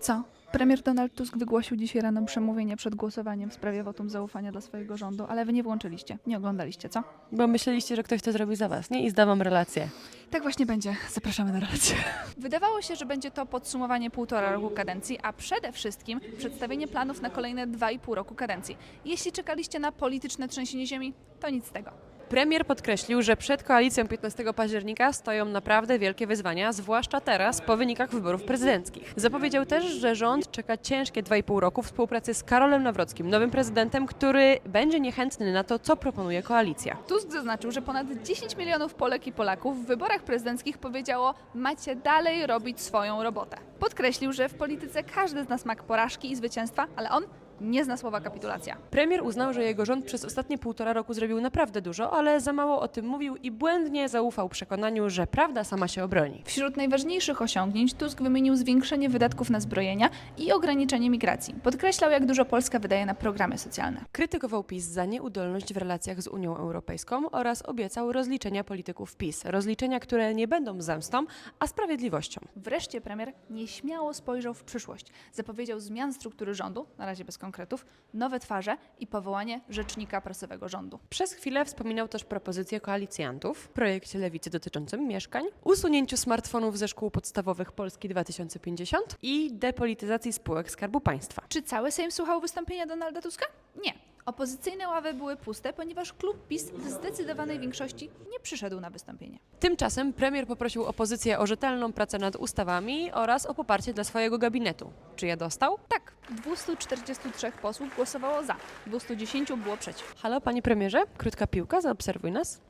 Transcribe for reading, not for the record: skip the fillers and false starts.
Co? Premier Donald Tusk wygłosił dzisiaj rano przemówienie przed głosowaniem w sprawie wotum zaufania dla swojego rządu, ale wy nie włączyliście, nie oglądaliście, co? Bo myśleliście, że ktoś to zrobi za was, nie? I zdawam relację. Tak właśnie będzie. Zapraszamy na relację. Wydawało się, że będzie to podsumowanie 1,5 roku kadencji, a przede wszystkim przedstawienie planów na kolejne 2,5 roku kadencji. Jeśli czekaliście na polityczne trzęsienie ziemi, to nic z tego. Premier podkreślił, że przed koalicją 15 października stoją naprawdę wielkie wyzwania, zwłaszcza teraz po wynikach wyborów prezydenckich. Zapowiedział też, że rząd czeka ciężkie 2,5 roku współpracy z Karolem Nawrockim, nowym prezydentem, który będzie niechętny na to, co proponuje koalicja. Tusk zaznaczył, że ponad 10 milionów Polek i Polaków w wyborach prezydenckich powiedziało: macie dalej robić swoją robotę. Podkreślił, że w polityce każdy zna smak porażki i zwycięstwa, ale on nie zna słowa kapitulacja. Premier uznał, że jego rząd przez ostatnie 1,5 roku zrobił naprawdę dużo, ale za mało o tym mówił i błędnie zaufał przekonaniu, że prawda sama się obroni. Wśród najważniejszych osiągnięć Tusk wymienił zwiększenie wydatków na zbrojenia i ograniczenie migracji. Podkreślał, jak dużo Polska wydaje na programy socjalne. Krytykował PiS za nieudolność w relacjach z Unią Europejską oraz obiecał rozliczenia polityków PiS. Rozliczenia, które nie będą zemstą, a sprawiedliwością. Wreszcie premier nieśmiało spojrzał w przyszłość. Zapowiedział zmian struktury rządu, na razie bez konkretów, nowe twarze i powołanie rzecznika prasowego rządu. Przez chwilę wspominał też propozycje koalicjantów w projekcie Lewicy dotyczącym mieszkań, usunięciu smartfonów ze szkół podstawowych Polski 2050 i depolityzacji spółek Skarbu Państwa. Czy cały Sejm słuchał wystąpienia Donalda Tuska? Nie. Opozycyjne ławy były puste, ponieważ klub PiS w zdecydowanej większości nie przyszedł na wystąpienie. Tymczasem premier poprosił opozycję o rzetelną pracę nad ustawami oraz o poparcie dla swojego gabinetu. Czy je dostał? Tak, 243 posłów głosowało za, 210 było przeciw. Halo, panie premierze, krótka piłka, zaobserwuj nas.